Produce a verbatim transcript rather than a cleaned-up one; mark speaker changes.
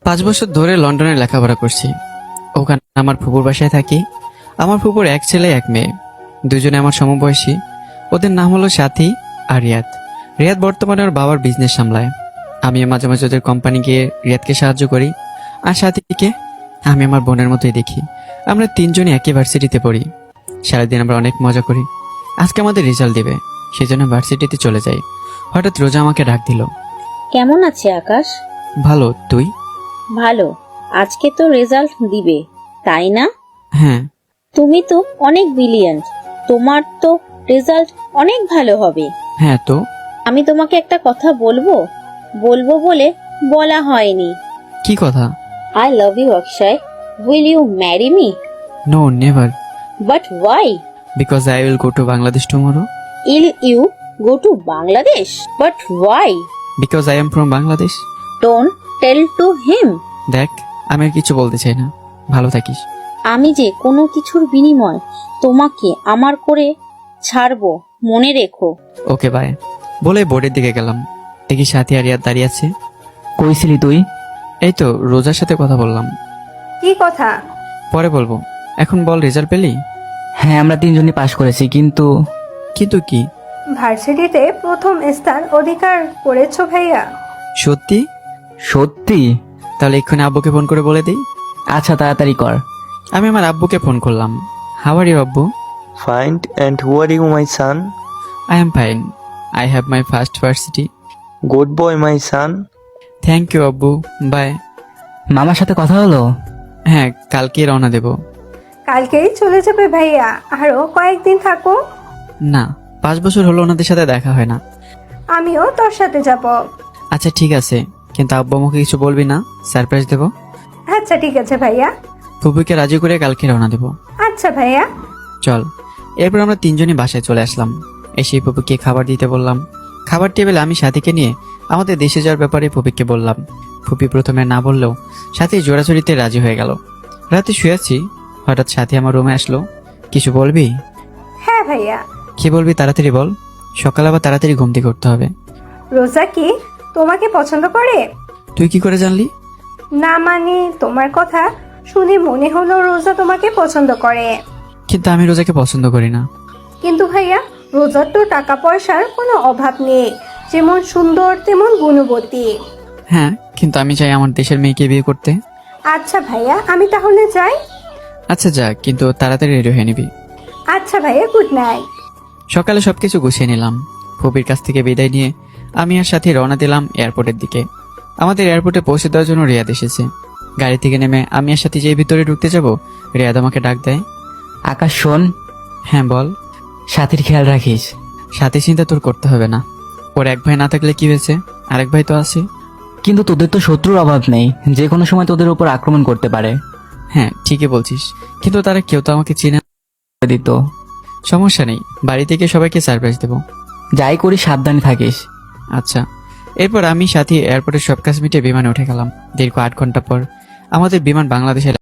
Speaker 1: পাঁচ বছর ধরে লন্ডনে লেখাপড়া করছি। ওখানে আমার ফুপুর বাসায় থাকি। আমার ফুপুর এক ছেলে এক মেয়ে, দুজনে আমার সমবয়সী। ওদের নাম হলো সাথী আর রিয়াদ। রিয়াদ বর্তমানে ওর বাবার বিজনেস সামলায়। আমিও মাঝে মাঝে ওদের কোম্পানি গিয়ে রিয়াদকে সাহায্য করি। আর সাথীকে আমি আমার বোনের মতোই দেখি। আমরা তিনজনই একই ভার্সিটিতে পড়ি। সারাদিন আমরা অনেক মজা করি। আজকে আমাদের রেজাল্ট দেবে, সেই জন্য ভার্সিটিতে চলে যাই। হঠাৎ রোজা আমাকে ডাক দিল।
Speaker 2: কেমন আছে আকাশ?
Speaker 1: ভালো, তুই?
Speaker 2: ভালো। আজকে তো রেজাল্ট দিবে, তাই না?
Speaker 1: হ্যাঁ।
Speaker 2: তুমি তো অনেক ব্রিলিয়ান্ট, তোমার তো রেজাল্ট অনেক ভালো হবে।
Speaker 1: হ্যাঁ তো
Speaker 2: আমি তোমাকে একটা কথা বলবো বলবো বলে বলা হয়নি।
Speaker 1: কি কথা?
Speaker 2: I love you Akshay, will you marry me?
Speaker 1: No, never.
Speaker 2: But why?
Speaker 1: Because I will go to Bangladesh tomorrow.
Speaker 2: Will you go to Bangladesh? But why?
Speaker 1: Because I am from Bangladesh.
Speaker 2: Don't tell to him.
Speaker 1: দেখ, আমি আর কিছু বলতে চাই না, ভালো থাকিস।
Speaker 2: আমি যে কোনো কিছুর বিনিময় তোমাকে আমার করে ছাড়বো, মনে রেখো।
Speaker 1: ওকে বাই বলে বোর্ডের দিকে গেলাম। দেখি সাথী আর রিয়াদ দাঁড়িয়ে আছে।
Speaker 3: কইছিলি তুই?
Speaker 1: এই তো রোজার সাথে কথা বললাম।
Speaker 4: কি কথা?
Speaker 1: পরে বলবো, এখন বল, রেজাল্ট পেলি?
Speaker 3: হ্যাঁ, আমরা তিনজনই পাশ করেছি, কিন্তু
Speaker 1: কিন্তু কি?
Speaker 4: ভার্সিটিতে প্রথম স্থান অধিকার করেছো ভাইয়া।
Speaker 1: সত্যি?
Speaker 3: সত্যি?
Speaker 1: তাহলে এক্ষুনি আব্বুকে ফোন করে বলে দিই।
Speaker 3: আচ্ছা, তাড়াতাড়ি কর।
Speaker 1: আমি আমার আব্বুকে ফোন করলাম। হাউ আর ইউ আব্বু?
Speaker 5: Fine, and who are you, my son?
Speaker 1: I am fine. I have my first varsity.
Speaker 5: Good boy, my son.
Speaker 1: Thank you আব্বু, বাই।
Speaker 3: মামার সাথে কথা হলো?
Speaker 1: হ্যাঁ, কালকে রওনা দেব।
Speaker 4: কালকেই চলে যাবে ভাইয়া, আরো কয়েকদিন থাকো।
Speaker 1: না, পাঁচ বছর হলো ওনাদের সাথে দেখা হয় না।
Speaker 4: আমিও তোর সাথে যাব।
Speaker 1: আচ্ছা ঠিক আছে, কিন্তু আব্বু আমাকে কিছু বলবি না, সারপ্রাইজ দেবো।
Speaker 4: আচ্ছা ঠিক আছে ভাইয়া।
Speaker 1: ফুপুকে রাজি করে কালকে রওনা দেবো।
Speaker 4: আচ্ছা ভাইয়া।
Speaker 1: চল। এরপর আমরা তিনজনই বাসায় চলে আসলাম। এসে ফুপুকে খাবার দিতে বললাম। খাবার টেবিলে আমি সাথীকে নিয়ে আমাদের দেশে যাওয়ার ব্যাপারে ফুপিকে বললাম। ফুপি প্রথমে না বললেও সাথী জোড়াজোড়িতে রাজি হয়ে গেল। রাতে শুয়েছি, হঠাৎ সাথী আমার রুমে আসলো। কিছু বলবি?
Speaker 4: হ্যাঁ ভাইয়া।
Speaker 1: কি বলবি তাড়াতাড়ি বল, সকাল আবার তাড়াতাড়ি ঘুম থেকে উঠতে হবে।
Speaker 4: রোজা কি তোমাকে পছন্দ করে?
Speaker 1: তুই কি করে জানলি?
Speaker 4: না মানে তোমার কথা শুনে মনে হলো রোজা তোমাকে পছন্দ করে।
Speaker 1: কিন্তু আমি রোজাকে পছন্দ করি না।
Speaker 4: কিন্তু ভাইয়া, রোজার তো টাকা পয়সার কোনো অভাব নেই, যেমন সুন্দর তেমন গুণবতী।
Speaker 1: হ্যাঁ, কিন্তু আমি চাই আমার দেশের মেয়েকে বিয়ে করতে।
Speaker 4: আচ্ছা ভাইয়া, আমি তাহলে যাই।
Speaker 1: আচ্ছা যা, কিন্তু তাড়াতাড়ি রেডি হয়ে নিবি।
Speaker 4: আচ্ছা ভাইয়া, গুড নাইট।
Speaker 1: সকালে সবকিছু গুছিয়ে নিলাম। ফুপির কাছ থেকে বিদায় নিয়ে আমি আর সাথে রওনা দিলাম এয়ারপোর্টের দিকে। আমাদের এয়ারপোর্টে পৌঁছে দেওয়ার জন্য রিয়াদ এসেছে। গাড়ি থেকে নেমে আমি আর সাথে যেই ভিতরে ঢুকতে যাব, রিয়াদ আমাকে ডাক দেয়।
Speaker 3: আকাশ শোন,
Speaker 1: হ্যাঁ বল।
Speaker 3: সাথীর খেয়াল রাখিস।
Speaker 1: সাথে চিন্তা তোর করতে হবে না। ওর এক ভাই না থাকলে কি হয়েছে, আরেক ভাই তো আছে।
Speaker 3: কিন্তু তোদের তো শত্রুর অভাব নেই, যে কোনো সময় তোদের উপর আক্রমণ করতে পারে।
Speaker 1: হ্যাঁ ঠিকই বলছিস, কিন্তু তারা কেউ তো আমাকে চিনে না।
Speaker 3: দিত।
Speaker 1: সমস্যা নেই, বাড়ি থেকে সবাইকে সারপ্রাইজ দেবো।
Speaker 3: যাই করি সাবধানে থাকিস।
Speaker 1: আচ্ছা। এরপর আমি সাথী এয়ারপোর্টের সব কাজ মিটে বিমানে উঠে গেলাম। দীর্ঘ আট ঘন্টা পর আমাদের বিমান বাংলাদেশে